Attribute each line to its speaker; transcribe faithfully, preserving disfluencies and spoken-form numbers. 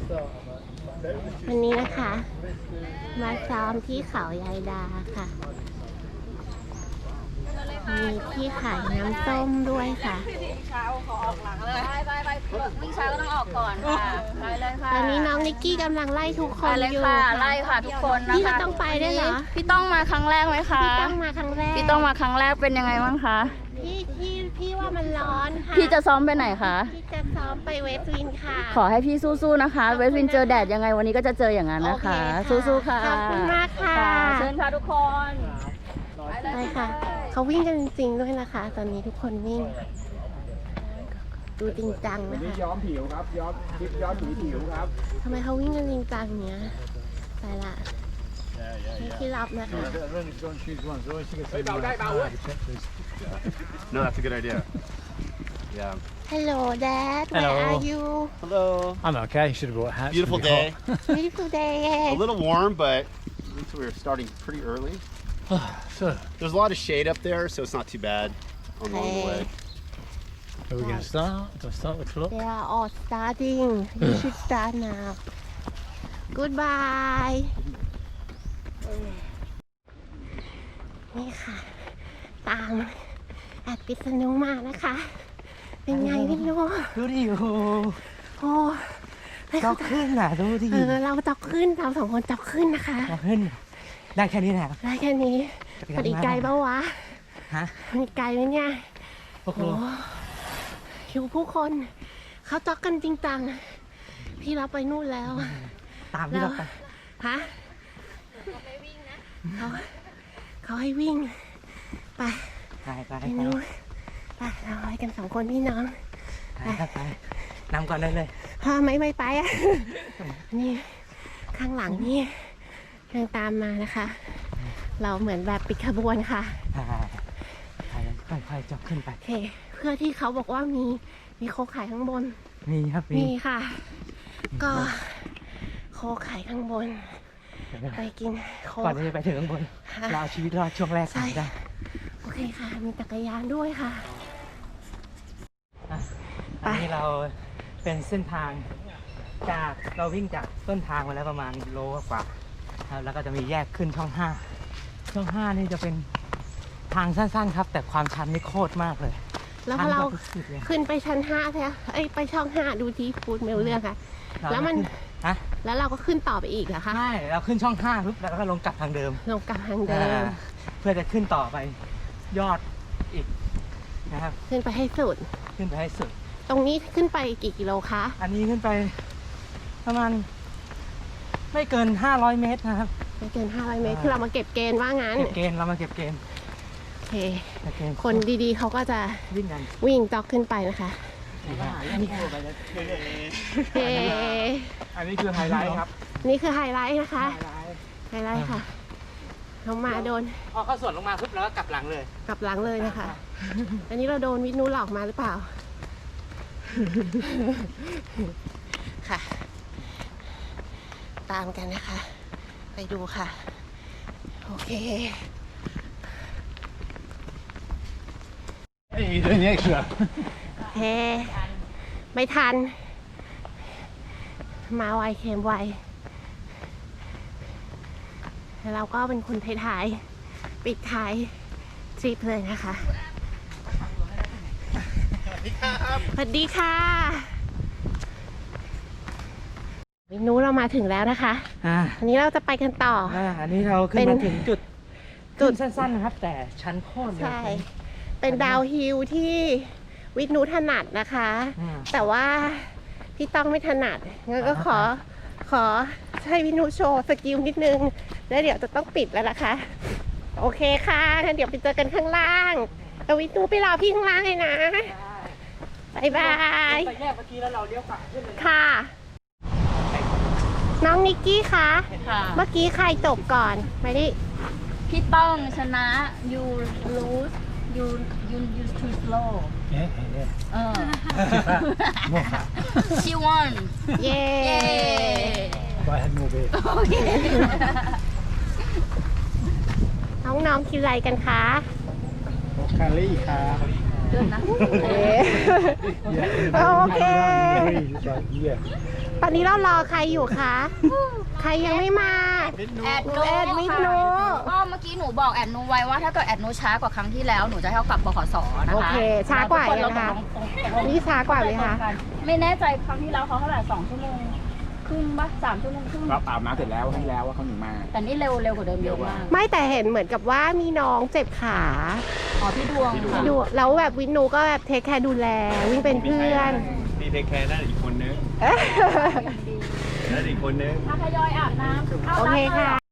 Speaker 1: วันนี้นะคะมาซ้อมที่เขายายดาค่ะมีที่ขายน้ำส้มด้วยค่ะ
Speaker 2: เช้าขอออกหลังเลยไปไปไปวิ่งเช้าก็ต้องออกก่อนค่ะไปเลยค่ะ
Speaker 1: ตอนนี้น้องนิกกี้กำลังไล่ทุกคนอยู่
Speaker 2: ค่ะไล่ค่ะทุกคนนะคะ
Speaker 1: พี่ก็ต้องไปได้เหรอ
Speaker 2: พี่ต้องมาครั้งแรกไหมคะ
Speaker 1: พี่ต้องมาครั้งแรก
Speaker 2: พี่ต้องมาครั้งแรกเป็นยังไงบ้างคะ
Speaker 1: พี่พี่พี่ว่ามันร้อนค่ะ
Speaker 2: พี่จะซ้อมไปไหนคะ
Speaker 1: พี่จะซ้อมไปเวสต์วินค่ะ
Speaker 2: ขอให้พี่สู้ๆนะคะเวสต์วินเจอแดดยังไงวันนี้ก็จะเจออย่างนั้นนะคะสู้ๆค่ะ
Speaker 1: ขอบคุณมากค่ะ
Speaker 2: เชิญค่ะทุกคน
Speaker 1: ไปค่ะเขาวิ่งกันจริงๆด้วยนะคะตอนนี้ทุกคนวิ่งดูจริงจังนะคะ
Speaker 3: ย้อมผิวครับย้อมคลิปย้อมผิวผิวครับ
Speaker 1: ทำไมเขาวิ่งกันจริงจังเนี้ยไปละที่รับนะคะ
Speaker 3: No, that's a good idea. Yeah.
Speaker 1: Hello, Dad. Where
Speaker 4: Hello.
Speaker 1: are you?
Speaker 3: Hello.
Speaker 4: I'm okay. Should have brought hats.
Speaker 3: Beautiful day.
Speaker 1: Beautiful day.
Speaker 3: A little warm, but at least we were starting pretty early.
Speaker 4: So,
Speaker 3: There's a lot of shade up there, so it's not too bad along the way.
Speaker 4: are we going to start? Do I start the clock?
Speaker 1: They are all starting. You should start now. Goodbye. นี่ค่ะ ตามแอดพิษณุมานะคะ เป็นไงไม่รู้
Speaker 4: ดูดิโอ้
Speaker 1: โอ้
Speaker 4: จ็อกขึ้นอ่ะดูดิ
Speaker 1: เออเราจ็อกขึ้นเราสองคนจ็อกขึ้นนะคะ
Speaker 4: จ็อกขึ้นได้แค่นี้แหละ
Speaker 1: ได้แค่นี้พอดีไกลปะวะ
Speaker 4: ฮะ
Speaker 1: มีไกลไหมเนี่ย
Speaker 4: โอ้โห
Speaker 1: อยู่ผู้คนเขาจ็อกกันจริงจังพี่เราไปนู่นแล้ว
Speaker 4: ตามที่เราไป
Speaker 1: ฮะเขาเขาให้วิ่งไป
Speaker 4: ไปไป
Speaker 1: ไปนู่นไปเราไปกันสองคนพี่น้อง
Speaker 4: ไปไปนำก่อนได้เลย
Speaker 1: พอไม่ไม่ไปอ่ะนี่ข้างหลังนี่ยังตามมานะคะ เราเหมือนแบบปิดขบวนค่ะ
Speaker 4: ค่อยๆจ็อกขึ้นไป
Speaker 1: โอเคเพื่อที่เขาบอกว่ามีมีโคขายข้างบน
Speaker 4: มีครับ
Speaker 1: มีค่ะก็โคขายข้างบนไปกินโค
Speaker 4: ก่อนที่จะไปถึงข้างบนเราชีวิตรอดช่วงแรกได้
Speaker 1: โอเคค่ะมีจักรยานด้วยค่ะ
Speaker 4: อันนี้เราเป็นเส้นทางจากเราวิ่งจากต้นทางมาแล้วประมาณโลกว่าแล้วก็จะมีแยกขึ้นช่องห้าช่องห้านี่จะเป็นทางสั้นๆครับแต่ความชันนี่โคตรมากเลย
Speaker 1: แล้วพอเราขึ้นไปชั้นห้าใช่ไหมเอ้ยไปช่องห้าดูที่พูดไม่รู้เรื่องค่ะแล้วมัน
Speaker 4: ฮะ
Speaker 1: แล้วเราก็ขึ้นต่อไปอีกเหรอคะ
Speaker 4: ใช่เราขึ้นช่องห้าปุ๊บแล้วก็ลงกลับทางเดิม
Speaker 1: ลงกลับทางเดิม
Speaker 4: เพื่อจะขึ้นต่อไปยอดอีกนะครับ
Speaker 1: ขึ้นไปให้สุด
Speaker 4: ขึ้นไปให้สุด
Speaker 1: ตรงนี้ขึ้นไปกี่กิโลคะ
Speaker 4: อันนี้ขึ้นไปประมาณไม่เกินห้าร้อยเมตรนะครับ
Speaker 1: ไม่เกินห้าร้อยเมตรคือเรามาเก็บเกณฑ์ว่างั้น
Speaker 4: เก็บเกณฑ์เรามาเก็บเกณฑ์
Speaker 1: โอเคคนดีๆเขาก็จะ
Speaker 4: วิ่งกัน
Speaker 1: วิ่งจ็อกขึ้นไปนะคะ
Speaker 4: อันนี้คืออันนี้คือไฮไลท์ครับ
Speaker 1: นี่คือไฮไลท์นะคะไฮไลท์ค่ะลงมาโดน
Speaker 4: พอเข้าสวนลงมาปุ๊บแล้วก็กลับหลังเลย
Speaker 1: กลับหลังเลยนะคะอันนี้เราโดนวิทนุหลอกมาหรือเปล่าค่ะตามกันนะคะไปดูค่ะโอเค
Speaker 4: เฮ้ยเรื่องนี้เชื่อ
Speaker 1: เฮ้ไม่ทันมาไวเค็มไวแล้วเราก็เป็นคนท้ายๆปิดท้ายทริปเลยนะคะสวัสดีค่ะวินูเรามาถึงแล้วนะคะอันนี้เราจะไปกันต่อ
Speaker 4: อันนี้เราขึ้นมาถึงจุดจุดสั้นๆนะครับแต่ชั้นโค่น
Speaker 1: ใช่เป็นดาวฮิลที่วินูถนัดนะคะแต่ว่าพี่ต้องไม่ถนัดงั้นก็ขอขอให้วินูโชว์สกิลนิดนึงแล้วเดี๋ยวจะต้องปิดแล้วนะคะโอเคค่ะงั้นเดี๋ยวไปเจอกันข้างล่างแต่วินูไปรอพี่ข้างล่างเลยนะบายบาย
Speaker 4: ไปแยกเมื่อกี้แล้วเราเลี้ยวขวาขึ้นเลย
Speaker 1: ค่ะน้องนิกกี้คะเมื่อกี้ใครจบก่อนไม่ได้
Speaker 2: พี่ต้องชนะ you lose you you you too slow เออ she won
Speaker 1: เย้
Speaker 4: I had more beer
Speaker 1: โอเคน้องๆกินอะไรกันคะ
Speaker 4: คารี่ค่ะ
Speaker 2: ด้วยนะ
Speaker 1: เอ๊ะโอเค ตอนนี้เรารอใครอยู่คะ ใครยังไม่มา
Speaker 2: แอด
Speaker 1: แอดมิดนู
Speaker 2: ก็เมื่อกี้หนูบอกแอดนูไว้ว่าถ้าเกิดแอดนูช้ากว่าครั้งที่แล้วหนูจะให้เขากลับบขสนะคะ
Speaker 1: โอเค ช้ากว่ายังคะ นี่ช้ากว่าไหมคะ
Speaker 2: ไม่แน่ใจครั้งที่แล้วเขาเท่าไหร่สองชั่วโมงครึ่งปะสามชั่วโมงครึ่ง
Speaker 5: เราอาบน้ำเสร็จแล้วให้แล้วว่าเขาหนีมา
Speaker 2: แต่นี่เร็วเร็วกว่าเดิมเยอะมาก
Speaker 1: ไม่แต่เห็นเหมือนกับว่ามีน้องเจ็บขา
Speaker 2: อ๋อพี่ดวงค่ะ
Speaker 1: ดูแล้วแบบวินนูก็แบบเทคแคร์ดูแล วิ่งเป็นเพื่อน
Speaker 3: พี่เทคแคร์ได้อีกคนนึงได้อีกคนนึง
Speaker 2: ถ้าทยอยอาบน้ำ
Speaker 1: โอเคค่ะ